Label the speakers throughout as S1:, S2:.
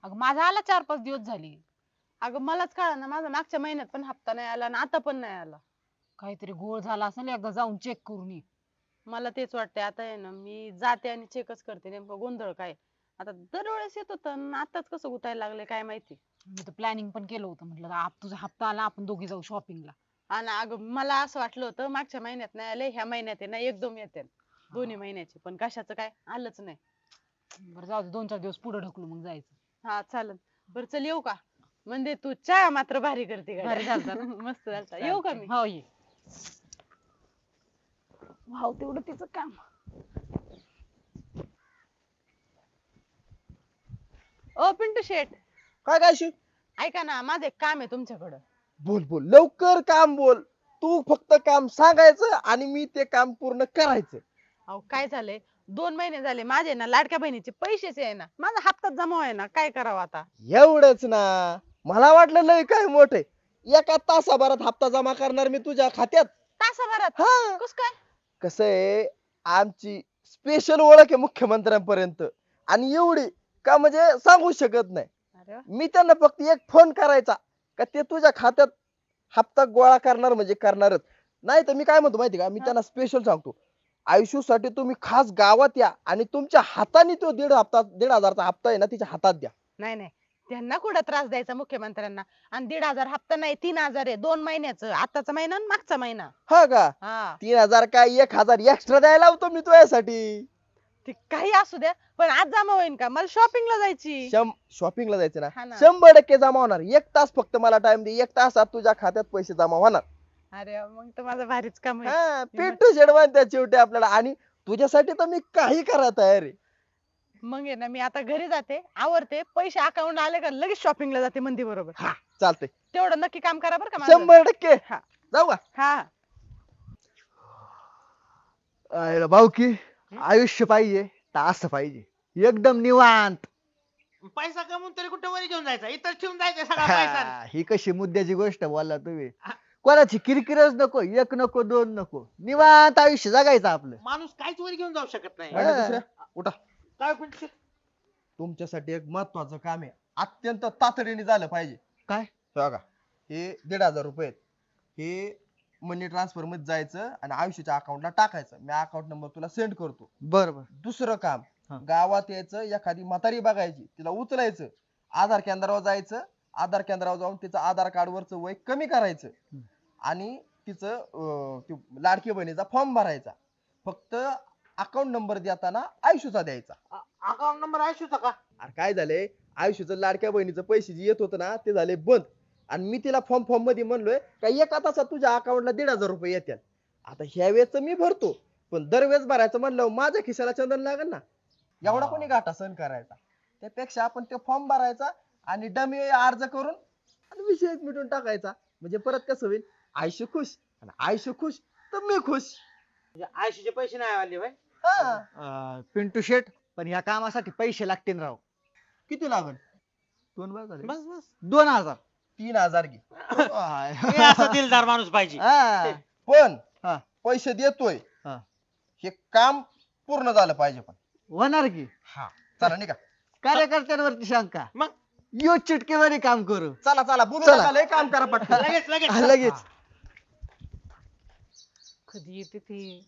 S1: अगं माझा आला 4-5 दिवस झाली.
S2: अगं मलाच कळलं ना, माझा मागच्या महिन्यात पण हप्ता नाही आला आणि आता पण नाही आला.
S1: काहीतरी घोळ झाला असेल, एकदा जाऊन चेक करून ये.
S2: मला तेच वाटतंय आता आहे ना, मी जाते आणि चेकच करते नेमकं गोंधळ काय. आता दरवेळेस येत होतं आणि आताच कसं गुतायला लागले काय माहिती.
S1: मी तर प्लॅनिंग पण केलं होतं, म्हटलं तुझा हप्ता आला आपण दोघी जाऊ शॉपिंगला.
S2: आणि अगं मला असं वाटलं होतं मागच्या महिन्यात नाही आले, ह्या महिन्यात आहे ना एकदम येते दोन्ही महिन्याचे, पण कशाचं काय आलंच नाही.
S1: बरं जाऊ दे, 2-4 दिवस पुढे ढकलू मग जायचं.
S2: हा चालेल. बरं चल येऊ का? म्हणजे तू चहा मात्र भारी करते गड्या.
S1: भारी झालता ना?
S2: मस्त झालता. येऊ का मी?
S1: हो ये. भाऊ तेवढं तिचं काम.
S2: ओ पिंटू शेठ,
S3: काय काय शिव?
S2: ऐका ना, माझं एक काम आहे तुमच्याकडं.
S3: बोल बोल लवकर काम बोल. तू फक्त काम सांगायचं आणि मी ते काम पूर्ण करायचं.
S2: अहो काय झालंय, 2 महिने झाले माझे ना लाडक्या बहिणीचे पैसेच आहे ना, माझा हप्ताच जमा आहे ना, काय करावं आता?
S3: एवढंच ना? मला वाटलं लय काय मोठे. एका तासाभरात हप्ता जमा करणार मी तुझ्या खात्यात.
S2: तासाभरात?
S3: हा.
S2: कस काय?
S3: कसं आहे, आमची स्पेशल ओळख आहे मुख्यमंत्र्यांपर्यंत आणि एवढी का म्हणजे सांगू शकत नाही.
S2: अरे वा.
S3: मी त्यांना फक्त एक फोन करायचा का ते तुझ्या खात्यात हप्ता गोळा करणार म्हणजे करणारच. नाही तर मी काय म्हणतो माहिती का, मी
S2: हा.
S3: त्यांना स्पेशल सांगतो, आयुष्यासाठी तुम्ही खास गावात या आणि तुमच्या हाताने तो 1,500चा हप्ता आहे ना तिच्या हातात द्या.
S2: नाही नाही, त्यांना कुठं त्रास द्यायचा मुख्यमंत्र्यांना? आणि 1,500 हप्ता नाही, 3,000 आहे 2 महिन्याचं, आताचा महिना आणि मागचा महिना.
S3: हा का?
S2: हा
S3: 3,000 काय 1,000 एक्स्ट्रा द्यायला लावतो मी तुझ्यासाठी.
S2: ते काही असू द्या, पण आज जमा होईल का? मला शॉपिंगला जायची.
S3: शॉपिंगला जायचं
S2: हा
S3: ना,
S2: ना.
S3: 100% जमा होणार. 1 तास फक्त मला टाइम दे, 1 तासात तुझ्या खात्यात पैसे जमा होणार.
S2: अरे वा, मग तर माझं भारीच काम आहे.
S3: हा पिंटू शेडवान त्या शेवटी आपल्याला, आणि तुझ्यासाठी तर मी काही करा तयार आहे.
S2: मग आहे ना, मी आता घरी जाते, आवरते, पैसे अकाउंट आले का लगेच शॉपिंगला जाते मंदी बरोबर.
S3: हा चालतंय.
S2: तेवढं नक्की काम करा बरं का माझं.
S3: 100%.
S2: हा.
S3: जाऊ का?
S2: हा
S3: भाऊ की आयुष्य पाहिजे, तास पाहिजे, एकदम निवांत.
S4: पैसा कमवून तरी कुठे वर घेऊन जायचा, इथं ठेवून जायचा सगळा पैसा.
S3: ही कशी मुद्द्याची गोष्ट बोलला तुम्ही. कोणाची किरकिरच नको, एक नको, दोन नको, निवांत आयुष्य जगायचं आपलं.
S4: माणूस काहीच वर घेऊन जाऊ शकत नाही.
S3: हा. दुसऱ्या, उठा.
S4: काय पण शे-
S3: तुमच्यासाठी एक महत्वाचं काम आहे, अत्यंत तातडीने झालं पाहिजे.
S1: काय?
S3: हे बघा, हे 1,500 रुपये आहेत. हे मनी ट्रान्सफर मध्ये जायचं आणि आयुष्याच्या अकाउंटला टाकायचं. मी अकाउंट नंबर तुला सेंड करतो.
S1: बरोबर.
S3: दुसरं काम,
S1: हा.
S3: गावात यायचं, एखादी म्हातारी बघायची, तिला उचलायचं, आधार केंद्रावर जायचं, आधार केंद्रावर जाऊन तिचं आधार कार्ड वरचं वय कमी करायचं आणि तिचं ते लाडकी बहिणीचा फॉर्म भरायचा. फक्त अकाउंट नंबर देताना आयुष्याचा द्यायचा.
S4: अकाउंट नंबर आयुष्याचा का?
S3: अरे काय झालंय, आयुष्याचं लाडक्या बहिणीचं पैसे जे येत होतं ना ते झाले बंद. आणि मी तिला फॉर्म मध्ये म्हणलोय का 1 तासात तुझ्या अकाउंटला 1,500 रुपये येतील. आता ह्या वेळेच मी भरतो, पण दरवेळेस भरायचं म्हणलं माझ्या खिशाला चंदन लागेल ना. एवढा कोणी गाठा सहन करायचा? त्यापेक्षा आपण ते फॉर्म भरायचा आणि डमी अर्ज करून आणि विषय मिटून टाकायचा. म्हणजे परत कसं होईल, आयुष्य खुश आणि आयुष्य खुश तर मी खुश.
S4: म्हणजे आयुष्याचे पैसे नाही आले भाई.
S3: हा.
S5: पिंटू शेट, पण ह्या कामासाठी पैसे लागतील राव.
S3: किती लागल? 2 बार झाले.
S4: बस बस
S5: 2,000.
S3: 3,000 घे.
S4: हे असा दिलदार माणूस पाहिजे.
S5: हा.
S3: पण
S5: हा.
S3: पैसे देतोय,
S5: हा.
S3: हे काम पूर्ण झालं पाहिजे. पण
S5: होणार की
S3: हा चला निघा.
S5: कार्यकर्त्यांवरती शंका,
S4: मग
S5: यो चिटकेवारी काम करू.
S3: चला चला बोलू
S5: चला.
S3: नका, लय काम करा पटकन.
S4: लगेच लगेच
S5: लगेच.
S1: कधी येते ती?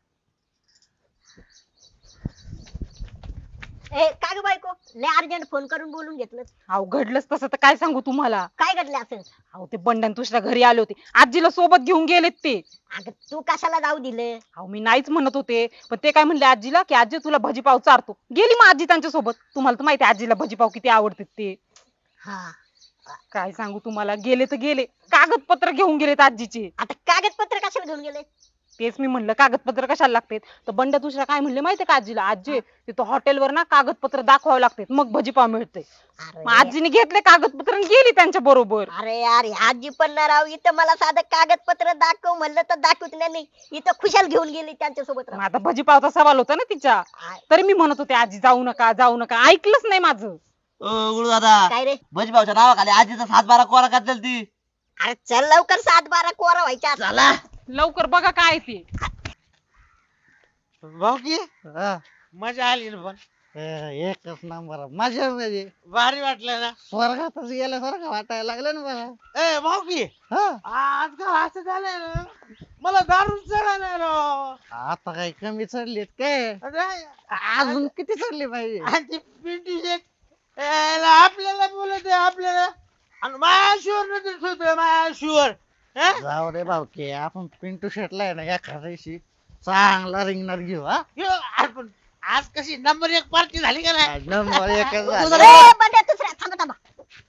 S6: ए काय ग बायको, लय अर्जंट फोन करून बोलून घेतलं.
S1: अहो घडलंच तसं तर काय सांगू तुम्हाला.
S6: काय घडलं असेल?
S1: अहो ते बंडन तुझ्या घरी आले होते, आजीला सोबत घेऊन गेलेत ते.
S6: अगं तू कशाला जाऊ दिलं?
S1: अहो मी नाहीच म्हणत होते, पण ते काय म्हणले आजीला की आजी तुला भजीपाव चारतो. गेली मग आजी त्यांच्या सोबत. तुम्हाला तर माहिती आहे आजीला भजीपाव किती आवडतात ते.
S6: हा.
S1: काय सांगू तुम्हाला, गेले तर गेले, कागदपत्र घेऊन गेलेत आजीचे.
S6: आता कागदपत्र कशाला घेऊन गेले?
S1: तेच मी म्हणलं कागदपत्र कशाला लागतात. तर बंड दुसरा काय म्हणले माहितीये का आजीला, आजी तिथं हॉटेलवर ना कागदपत्र दाखवावं लागतात मग भजीपाव मिळते. मग
S6: अरे
S1: आजीने घेतले कागदपत्र आणि गेली त्यांच्या बरोबर.
S6: अरे यार, आजी पण ना राव, इथं मला साधं कागदपत्र दाखव म्हणलं तर दाखवत नाही, इथं खुशाल घेऊन गेली त्यांच्या सोबत.
S1: मग आता भजीपावचा सवाल होता ना तिच्या, तरी मी म्हणत होते आजी जाऊ नका जाऊ नका, ऐकलंच नाही माझं.
S4: गुरु दादा,
S6: काय रे?
S4: भजभावच्या नावाखाली आजीचा 7-12 कोरा करतील ती.
S6: अरे चल लवकर, 7-12 कोरा व्हायच्या.
S4: चला
S1: लवकर बघा काय ते.
S4: भाऊ की
S5: हा.
S4: मजा आली ना पण.
S5: एकच नंबर मजा म्हणजे
S4: भारी वाटलं ना.
S5: स्वर्गातच गेल्यासारखं वाटायला लागलं ना मला.
S4: ए भाऊ की
S5: हा
S4: आजकाल असं झालंय ना, मला दारू चढायला राव.
S5: आता काही कमी चढलीत काय
S4: अरे,
S5: अजून किती चढली पाहिजे
S4: आणि ते पिंटू शेट आपल्याला बोलत आहे आपल्याला, आणि माझ्या शुअर नजर ठेवतोय माझ्या शुअर.
S5: जाऊ रे भाऊकी आपण पिंटू शेटला आहे ना एखाद्या दिवशी चांगला रिंगणार घेऊ हा
S4: आपण आज कशी नंबर 1 पार्टी झाली का नाही?
S5: नंबर एकच
S6: ए,
S5: झाला.
S6: बंड्या दुसऱ्या थांबा थांबा.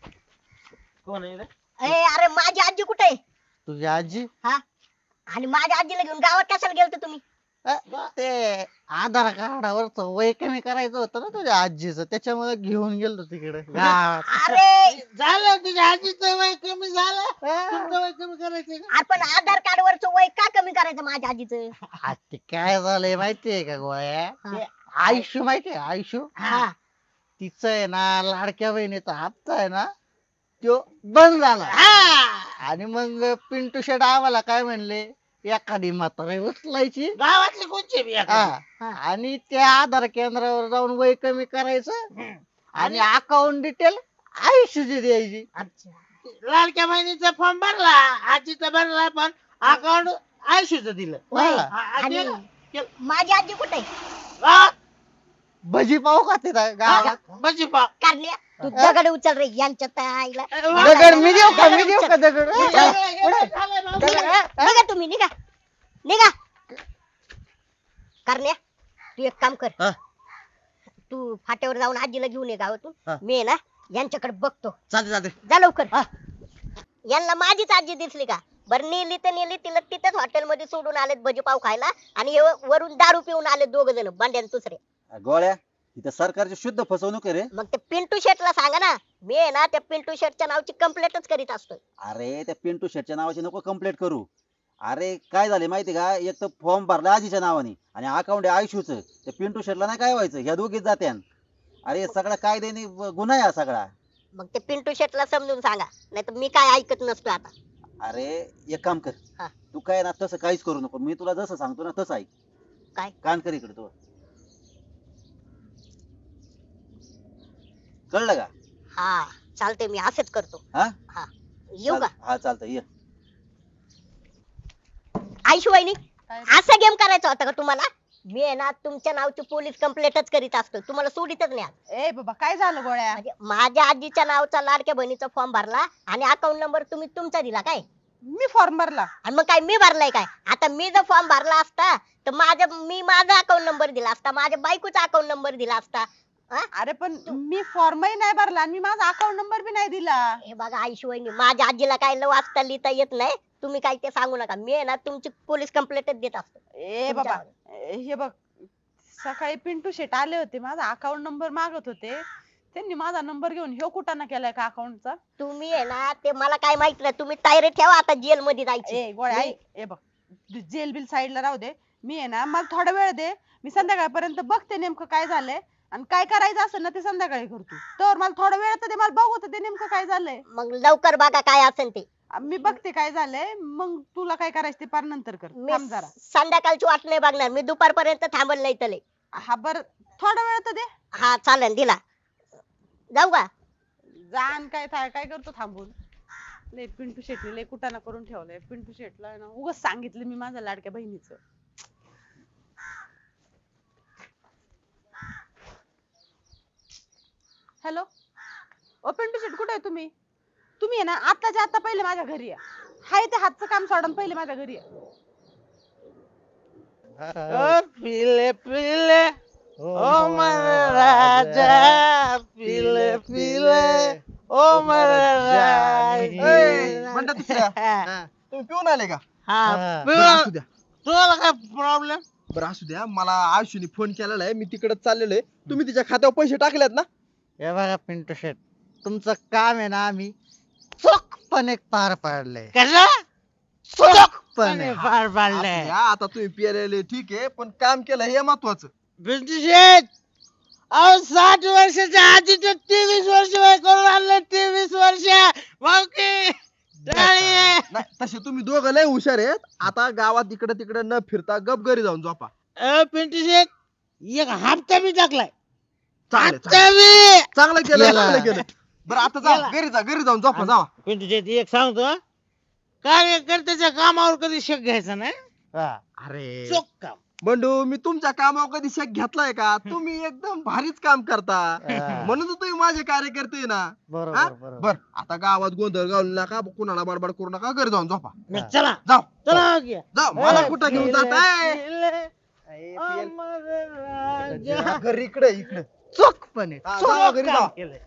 S4: कोण आहे रे?
S6: ए, अरे माझी आजी कुठे आहे?
S5: तुझी आजी
S6: हा आणि माझ्या आजीला घेऊन गावात कशाला गेलते तुम्ही?
S5: ते आधार कार्डावरच वय कमी करायचं होतं ना तुझ्या आजीचं त्याच्यामुळे घेऊन गेलो तिकडे गावात.
S6: अरे
S4: झालं तुझ्या आजीचं वय कमी झालं, तुमचं वय कमी करायचं का?
S6: आपण आधार कार्ड वरच वय का कमी करायचं माझ्या आजीचं?
S5: आ, ते काय झालंय माहितीये का गोळ्या
S6: हा.
S5: ते आयुष्य माहितीये आयुष्य
S6: हा
S5: तिचं आहे ना लाडक्या बहिणीचा हप्ता आहे ना तो बंद झाला आणि मग पिंटू शेट आम्हाला काय म्हणले एखादी म्हातारी उचलायची
S4: गावातले कोणचे बी आता?
S5: हा, आणि त्या आधार केंद्रावर जाऊन वय कमी करायचं आणि अकाउंट डिटेल आयुष्याची द्यायची.
S6: अच्छा.
S4: लाडक्या बहिणीचा फॉर्म भरला, आजीचा भरला, पण अकाउंट आयुष्यच दिलं.
S6: वय.
S4: हा,
S6: आणि
S4: केलं, केलं.
S6: माझी आजी कुठे आहे?
S4: हा,
S5: भजी पाव का तिथं गावात
S4: भजी पाव.
S6: कारण्या तू दगड उचल रे यांच्या आईला.
S5: दगड मी देऊ का मी देऊ का दगड
S4: झालंय भाऊ.
S6: निघा तुम्ही निघा निघा. कारण्या तू एक काम कर,
S5: हा.
S6: तू फाट्यावर जाऊन आजीला घेऊन ये
S5: हा.
S6: गावातून. मी आहे ना यांच्याकडे बघतो.
S5: चालते चालते
S6: जा लवकर. यांना माझीच आजी दिसली का? बरं नेली तर नेली, तिला तिथेच हॉटेलमध्ये सोडून आलेत भजी पाव खायला आणि हे वरून दारू पिऊन आले दोघ जण बंड्या आणि दुसरे.
S7: गोळ्या इथं सरकारची शुद्ध फसवणूक आहे रे.
S6: मग ते पिंटू शेटला सांगा ना, मी आहे ना त्या पिंटू शेटच्या नावची कंप्लेंटच करीत असतोय.
S7: अरे त्या पिंटू शेटच्या नावाची नको कंप्लेंट करू. अरे काय झाले माहिती का, एक तर फॉर्म भरला आजीच्या नावाने आणि अकाउंट आहे आयुष्यूचं. त्या पिंटू शेटला नाही काय व्हायचं, ह्या दोघीच जात्यान. अरे सगळा कायद्याने गुन्हा आहे हा सगळा.
S6: मग ते पिंटू शेटला समजून सांगा, नाही तर मी काय ऐकत नसतो आता.
S7: अरे एक काम कर,
S6: हा.
S7: तू काय ना तसं काहीच करू नको. मी तुला जसं सांगतो ना तसं ऐक.
S6: काय?
S7: कान कर इकडे तू. कळलं का?
S6: हा चालते, मी असंच करतो.
S7: हा
S6: हा येऊ का?
S7: हा चालतंय ये.
S6: आयशू वहिनी
S2: काय?
S6: असा गेम करायचा होता का तुम्हाला? मी आहे ना तुमच्या नावची पोलीस कंप्लेंटच करीत असतो, तुम्हाला सोडितच नाही आज.
S2: ए बाबा काय झालं गोळ्या?
S6: म्हणजे माझ्या आजीच्या नावचा लाडक्या बहिणीचा फॉर्म भरला आणि अकाउंट नंबर तुम्ही तुमचा दिला काय?
S2: मी फॉर्म भरला.
S6: आणि मग काय मी भरलाय काय? आता मी जर फॉर्म भरला असता तर मी माझा अकाउंट नंबर दिला असता, माझ्या बायकोचा अकाउंट नंबर दिला असता. हा?
S2: अरे पण मी फॉर्मही नाही भरला आणि मी माझा अकाउंट नंबर बी नाही दिला.
S6: हे बघा आयशू वहिनी, माझ्या आजीला काय वाचता लिहिता येत नाही, तुम्ही काय ते सांगू नका. मी आहे ना तुमची पोलीस कंप्लेंटच देत असतो.
S2: ए बाबा हे बघ, सकाळी पिंटू शेट आले होते, माझा अकाउंट नंबर मागत होते. त्यांनी माझा नंबर घेऊन ह्यो कुटाणा केलाय का अकाउंटचा?
S6: तुम्ही आहे ना ते मला काय माहित नाही, तुम्ही तयारी ठेवा आता जेल मध्ये जायची.
S2: ए गोळ्या ऐक, ए बघ जेल बिल साईडला राहू दे. मी आहे ना, मला थोडा वेळ दे, मी संध्याकाळपर्यंत बघते नेमकं काय झालंय आणि काय करायचं असेल ना ते संध्याकाळी करतो. तर मला थोडा वेळ तर दे, मला बघू तर दे नेमकं काय झालंय.
S6: मग लवकर बघा काय असेल ते.
S2: मी बघते काय झालंय, मग तुला काय करायचं ते पार नंतर कर.
S6: मी
S2: थांब जरा.
S6: संध्याकाळची वाट नाही बघणार, मी दुपारपर्यंत थांबल नाही तले.
S2: हा बर थोडा वेळ तर दे.
S6: हा चालेल, दिला. जाऊ का?
S2: जाण काय काय करतो थांबून. लय पिंटू शेटने लय कुटाणा करून ठेवलाय. पिंटू शेटला ना उगाच सांगितलं मी माझ्या लाडक्या बहिणीचं. हॅलो ओ पिंटू शेट, कुठे आहे तुम्ही? तुम्ही आहे ना आताच्या आता पहिले माझ्या घरी या. हाय ते हातचं काम सोडून पहिले माझ्या घरी या.
S4: पिले पिले ओ मेरे राजा, पिले पिले ओ मेरे राजा.
S3: म्हणता दुसऱ्या तुम्ही पिऊन आले का?
S4: हा,
S3: बरं, असू द्या.
S4: तुम्हाला काय प्रॉब्लेम?
S3: बरं असू द्या, मला आयुष्यने फोन केलेला आहे, मी तिकडे चाललेलो आहे. तुम्ही तिच्या खात्यावर पैसे टाकलेत ना?
S5: हे बघा पिंटू शेट तुमचं काम आहे ना आम्ही चोखपणे पार पाडलंय.
S4: कसं
S5: चोखपणे.
S4: पार पाडले?
S3: असू द्या, आता तुम्ही पियालेले ठीक आहे, पण काम केलं हे महत्वाचं.
S4: पिंटू शेट, अहो 60 वर्षाच्या आधीचे 23 वर्ष वय करून आणले. 23 वर्ष भाऊकी टाळी.
S3: नाही तसे तुम्ही दोघं लय हुशार आहेत. आता गावात इकडे तिकडे न फिरता गप घरी जाऊन झोपा.
S4: पिंटू शेट, एक हप्ता मी टाकलाय.
S3: चालेल
S4: आता मी
S3: चांगलं केलं
S5: गेला.
S3: चांगलं केलं बरं आता जा
S4: गेला.
S3: घरी जाऊन झोपा जावा
S4: पिंटू शेट एक सांगतो हं. कार्यकर्त्याच्या कामावर कधी शक घ्यायचा नाही
S5: हा.
S3: अरे
S4: चोख काम
S3: बंडू मी तुमच्या कामावर कधी शक घेतलाय का तुम्ही एकदम भारीच काम करता
S5: हा.
S3: म्हणून तर तुम्ही माझे कार्यकर्ते आहे ना हा?
S5: बरोबर बरोबर
S3: बर आता गावात गोंधळ घालू नका कुणाला बडबड करू नका घरी जाऊन झोपा
S4: मग चला
S3: जाऊ
S4: चला घ्या.
S3: जाऊ मला कुठं घेऊन जाताय
S4: अमर राजा.
S3: घरी इकडे इकडे
S5: चोखपणे
S3: हा,
S5: चोख
S3: जावा घरी
S5: काम
S3: जावा.
S5: केलंय.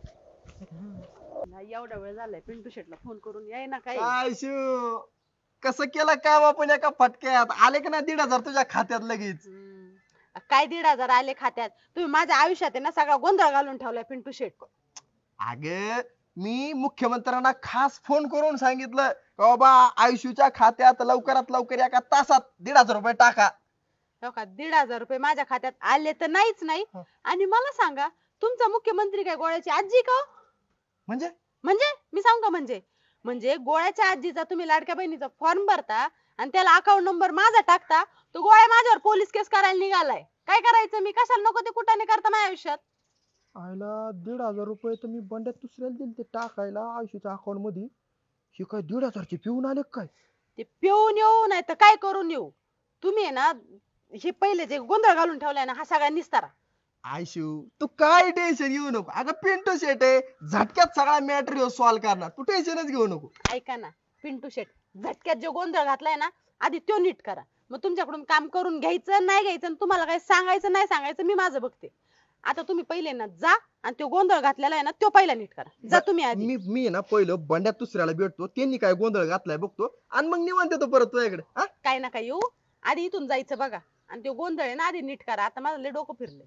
S2: नाही एवढा वेळ झालाय पिंटू शेटला फोन करून याय ना काही
S3: काय शिव कसं केलं काम आपण एका फटक्यात आले का ना 1,500 तुझ्या खात्यात लगेच
S2: काय 1,500 आले खात्यात तुम्ही माझ्या आयुष्यात आहे ना सगळा गोंधळ घालून ठेवलाय पिंटू शेट
S3: अग मी मुख्यमंत्र्यांना खास फोन करून सांगितलं का बाबा आयुष्यूच्या खात्यात लवकरात लवकर एका तासात 1,500 रुपये टाका
S2: हो का 1,500 रुपये माझ्या खात्यात आले तर नाहीच नाही आणि मला सांगा तुमचा मुख्यमंत्री काय गोळ्याची आजी का हो?
S3: म्हणजे
S2: म्हणजे मी सांगू का म्हणजे गोळ्याच्या आजीचा तुम्ही लाडक्या बहिणीचा फॉर्म भरता आणि त्याला अकाउंट नंबर माझा टाकता तो गोळ्या माझ्यावर पोलीस केस करायला निघालाय काय करायचं मी कशाला नको ते कुठाने करता माझ्या आयुष्यात
S3: आयला 1,500 रुपये तर मी बंड्यात दुसऱ्याला दिले ते टाकायला आयुष्याच्या अकाउंट मध्ये हे काय 1,500 चे पिऊन आले काय
S2: ते पिऊन येऊ नाही तर काय करून येऊ तुम्ही आहे ना हे पहिले जे गोंधळ घालून ठेवलाय ना हा सगळा निस्तारा
S3: आयशू तू काय टेन्शन घेऊ नको अगं पिंटू शेट आहे झटक्यात सगळा मॅटर सॉल्व्ह करणार तू टेन्शनच घेऊ नको
S2: ऐका ना पिंटू शेट झटक्यात जो गोंधळ घातलाय ना आधी तो नीट करा मग तुमच्याकडून काम करून घ्यायचं नाही घ्यायचं आणि तुम्हाला काय सांगायचं नाही सांगायचं मी माझं बघते आता तुम्ही पहिले ना जा आणि तो गोंधळ घातलेला आहे ना तो पहिला नीट करा जा तुम्ही आधी
S3: मी आहे ना पहिलं बंड्यात दुसऱ्याला भेटतो त्यांनी काय गोंधळ घातलाय बघतो आणि मग निवांत येतो परत तुझ्याकडे हा
S2: काय ना काय येऊ आधी इथून जायचं बघा आणि तो गोंधळ आहे ना आधी नीट करा आता माझं लय डोकं फिरलंय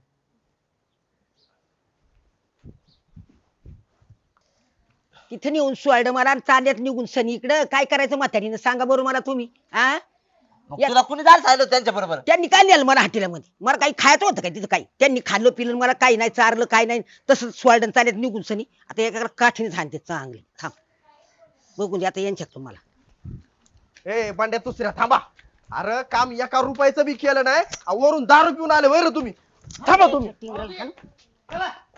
S8: तिथे नेऊन सोडलं मला आणि चांद्यात निघून सनी इकडं काय करायचं म्हातारीनं सांगा बरोबर मला तुम्ही हा या-
S9: तुला कुणी जायला सांगितलं त्यांच्या बरोबर
S8: त्यांनी काय नेलं मला हॉटेलमध्ये मला काही खायचं होतं काय तिथं काही त्यांनी खाल्लं पिलं मला काही नाही चारलं काही नाही तसंच सोडलं चांद्यात निघून सनी आता एका काठीने सांगते चांगले थांब बघून दे आता यांच्यात तुम्हाला
S3: ए बंड्या दुसऱ्या थांबा अरे काम 1 रुपयाचं बी केलं नाही वरून 10 पिऊन आले वैर तुम्ही थांबा तुम्ही
S8: चला